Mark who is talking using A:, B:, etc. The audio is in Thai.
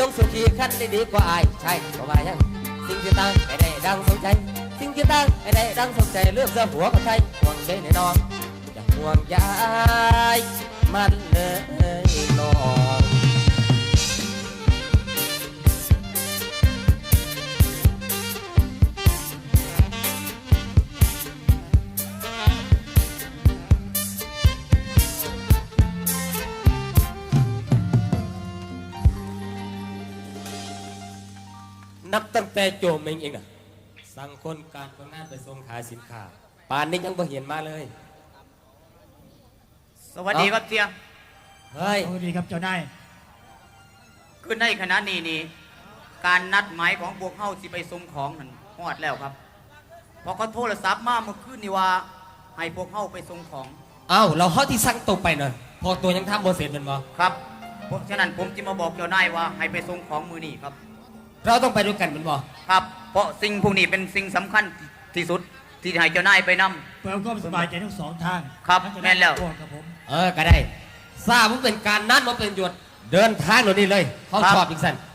A: ต้องสุขีขั้นได้ดีกว่าอายใช่ก็ว่ายังสิ่งที่ตั้งให้ได้ดังสมใจสิ่งที่ตั้งให้ได้ดังสมใจเลือกเสื้อหัวกับไทยห่วงได้แน่นอนอย่าห่วงยายมันเลยน้องนับตั้งแต่โจมเองอะสั่งคนการตรงหน้าไปส่งขายสินค้าป่านนี้ยังไม่เห็นมาเลย
B: สวัสดีครับเจีย
A: เฮ้ย
C: สวัสดีครับเจ้านาย
B: คือในขณะนี้นี่การนัดหมายของพวกเขาสิไปส่งของนั่นฮอดแล้วครับพอเขาโทรศัพท์มาเมื่อคืนนี่ว่าให้พวกเขาไปส่งของ
A: เอ้าเราเขาที่สั่งตกไปหน่อยพอตัวยังทำโบเสร็จเป็นบ่
B: ครับเพราะฉะนั้นผมจะมาบอกเจ้านายว่าให้ไปส่งของมือนี่ครับ
A: เราต้องไปด้วยกันเป็นบ่
B: ครับเพราะสิ่งพวกนี้เป็นสิ่งสำคัญที่สุดที่ให้เจ้านายไปนำ
C: เพื่อความสบายใจทั้งสองทาง
B: ครับแม่นแล้ว
C: ครับผม
A: ก็ได้ทราบว่าเป็นการนัดมาเป็นหยุดเดินทางหน่อยนี่เลยเขาชอบอีกสัน